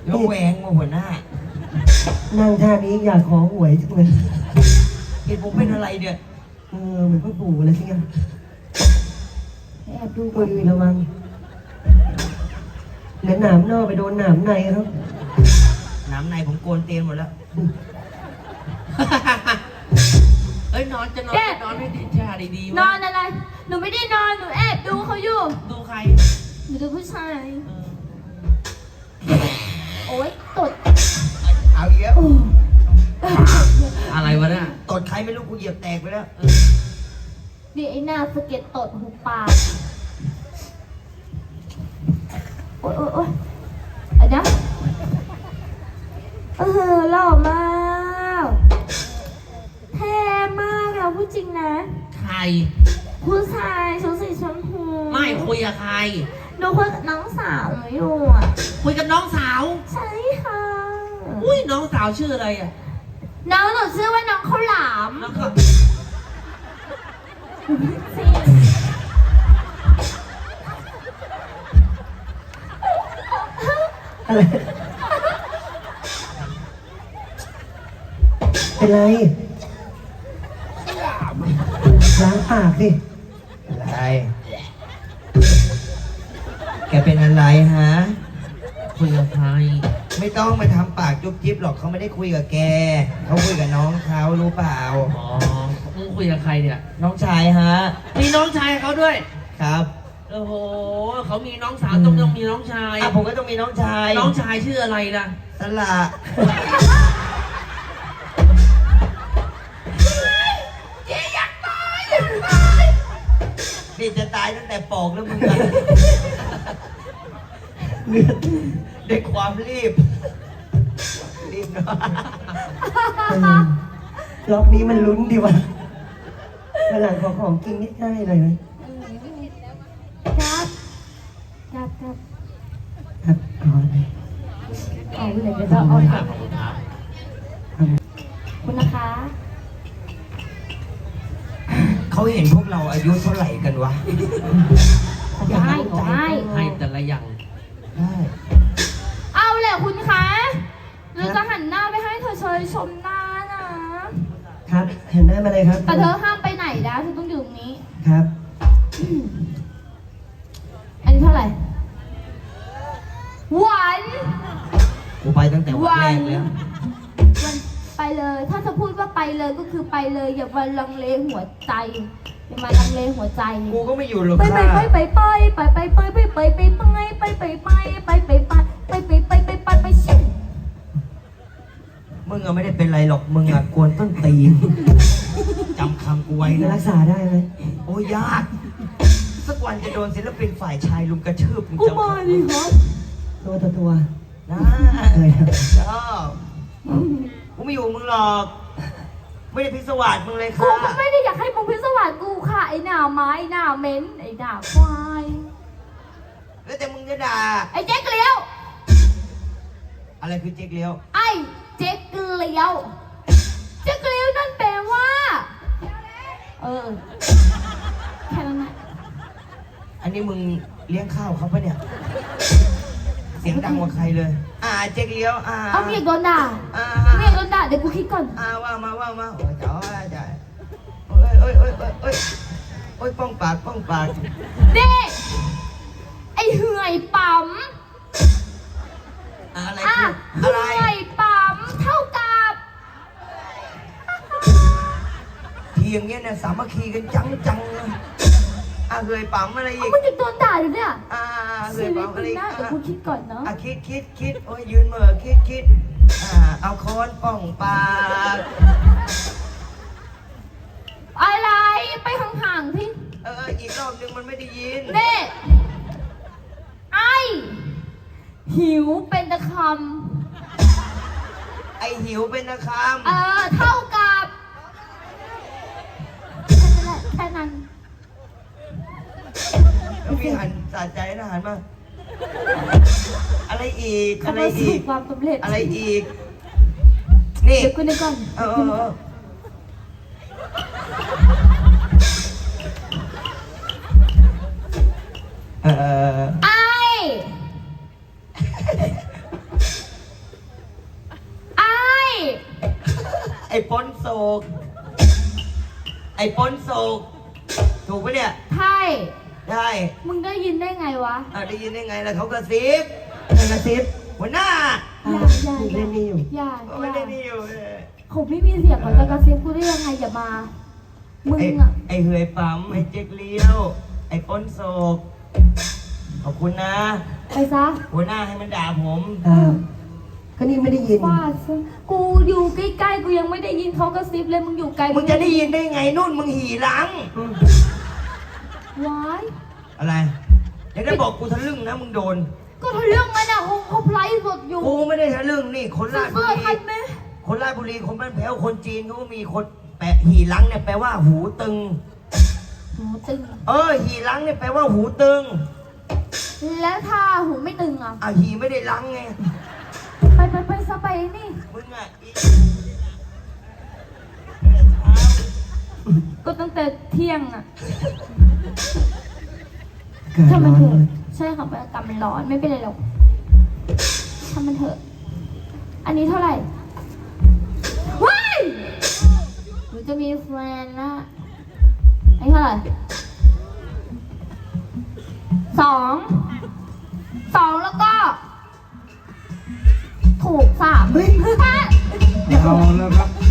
แล้วแหวงมาหัวหน้านั่งท่านี้อยากขอหวยจังเลยเห็นผมเป็นอะไรเนี่ยเหมือนพ่อปู่เลยที่งั้นแอบดูตัวอื่นระวังเดี๋ยวหนามนอกไปโดนหนามในครับหนามในผมโกนเตียนหมดแล้วเอ้ยนอนจะนอนนอนให้ดีชาดีนอนอะไรหนูไม่ได้นอนหนูแอบดูเขาอยู่ดูใครหนูดูผู้ชายโอ๊ยตดเอาอีกแล้วอะไรวะเนี่ยตดใครไม่รู้กูเหยียบแตกไปแล้วนี่ไอ้หน้าสเก็ตตดหูปากโอ๊ยโอ๊ยไอ้นะหล่อมากเท่มากเราพูดจริงนะใครผู้ชายชุดสีชมพูไม่คุยกับใครหนูคุยกับน้องสาวหนูอยู่อ่ะคุยกับน้องสาวใช่ค่ะอุ้ยน้องสาวชื่ออะไรอ่ะน้องหนูชื่อว่าน้องข้าวหลามอะไรเป็นไรล้างปากสิอะไรแกเป็นอะไรฮะคุยกับใครไม่ต้องมาทำปากจุ๊บจิ๊บหรอกเขาไม่ได้คุยกับแกเขาคุยกับน้องเขารู้เปล่าอ๋อมึงคุยกับใครเนี่ยน้องชายฮะมีน้องชายเขาด้วยครับโอ้โหเขามีน้องสาวต้องมีน้องชายผมก็ต้องมีน้องชายน้องชายชื่ออะไรล่ะสละนี่จะตายตั้งแต่ปอกแล้วมึงอะด้วยความรีบเนาะล็อกนี้มันลุ้นดีวะมาหลังขอของกินนิดได้เลยไหมครับเอาเลยเอาเลยเดี๋ยวเราเอาค่ะคุณนะคะเขาเห็นพวกเราอายุเท่าไหร่กันวะให้แต่ละอย่างได้เอาแหละคุณคะเราจะหันหน้าไปให้เธอเชยชมหน้านะครับเห็นได้มาเลยครับแต่เธอห้ามไปไหนนะเธอต้องอยู่ตรงนี้ครับอันนี้เท่าไหร่วันกูไปตั้งแต่วันแรกแล้ววันไปเลยถ้าจะพูดว่าไปเลยก็คือไปเลยอย่ามาลังเลหัวใจอย่ามาลังเลหัวใจกูก็ไม่อยู่หรอกไปชิมมึงอะไม่ได้เป็นไรหรอกมึงอะกวนต้นตีนจำคำกูไว้นะรักษาได้ไหมโอ้ยากสักวันจะโดนศิลปินฝ่ายชายลุมกระชืบมึงจำมาดิครับตัวนะชอบกูไม่อยู่มึงหรอกไม่ได้พิศวาสมึงเลยค่ะกูก็ไม่ได้อยากให้มึงพิศวาสกูค่ะไอ้หน้าไม้หน้าเม้นไอ้หน้าควายแล้วแต่มึงจะด่าไอ้เจ๊กเลี้ยวอะไรคือเจ๊กเลี้ยวไอ้เจ๊กเลี้ยวนั่นแปลว่าแค่นั้นนะอันนี้มึงเลี้ยงข้าวเขาปะเนี่ยเสียงดังกว่าใครเลยเจ๊กเลี้ยวเอาเมียโดนด่าเดี๋ยวกูคิดก่อนว่ามาโอ้ยจ๋อจ๋าโอ้ยป้องปากเด็กไอ้เหื่อยปั๊มอะไรเหื่อยปั๊มเท่ากับทีอย่างเงี้ยเนี่ยสามัคคีกันจังเหื่อยปั๊มอะไรอีกมึงจะโดนด่าอยู่เนี่ยเหื่อยปั๊มอะไรอีกเดี๋ยวกูคิดก่อนเนาะคิดโอ้ยยืนเหม่อคิดเอาค้อนป้องปากอะไรไปห่างๆพี่อีกรอบนึงมันไม่ได้ยินเน่ไอหิวเป็นตะคำไอหิวเป็นตะคำเท่ากับแค่นั้นพี่หันสะใจนะหันมาอะไรอีกความสำเร็จอะไรอีกนี่เดี๋ยวกูนึกก่อนไออ้ปนโศกไอ้ปนโศกถูกปะเนี่ยใช่ได้มึงได้ยินได้ไงวะได้ยินได้ไงล่ะเขากระซิบกระซิบหัวหน้าอย่าเล่นนี่อยู่อย่าไม่ได้นี่อยู่เขาไม่มีเสียงเขาจะกระซิบกูได้ยังไงอย่ามา มึงอ่ะไอ้เหือยปั๊มไอ้เจ๊กเลี้ยว ไอ้ปนโศกขอบคุณนะไปซะหัวหน้าให้มันด่าผมก็นี่ไม่ได้ยินฟาดซะกูอยู่ใกล้ๆกูยังไม่ได้ยินเขากระซิบเลยมึงอยู่ไกลมึงจะได้ยินได้ไงนู่นมึงหี่หลังว้ายอะไรเดี๋ยวได้บอกกูทะลึ่งนะมึงโดนก็ทะเรื่องมันอ่ะเขาไลฟ์สดอยู่กูไม่ได้ทะลึ่งนี่คนราชบุเสื้อรีทันไหมคนราชบุรีคนบ้านแพ้วคนจีนเขาก็มีคนแปะหี่หลังเนี่ยแปลว่าหูตึงหูตึงหี่หลังเนี่ยแปลว่าหูตึงแล้วถ้าหูไม่ตึงอ่ะหี่ไม่ได้หลังไงไปซะไปนี่มึงอ่ะอีก็ตั้งแต่เที่ยงอ่ะเกิดถ้าร้มันอนเถอะเลยใช่ค่ะบรรยากาศมันร้อนไม่เป็นไรหรอกถ้ามันเถอะ อันนี้เท่าไหร่ว้ายหนูจะมีแฟนนะอันนี้เท่าไหร่สองแล้วก็ ถูก3 เฮ้ยเอาแล้วครับ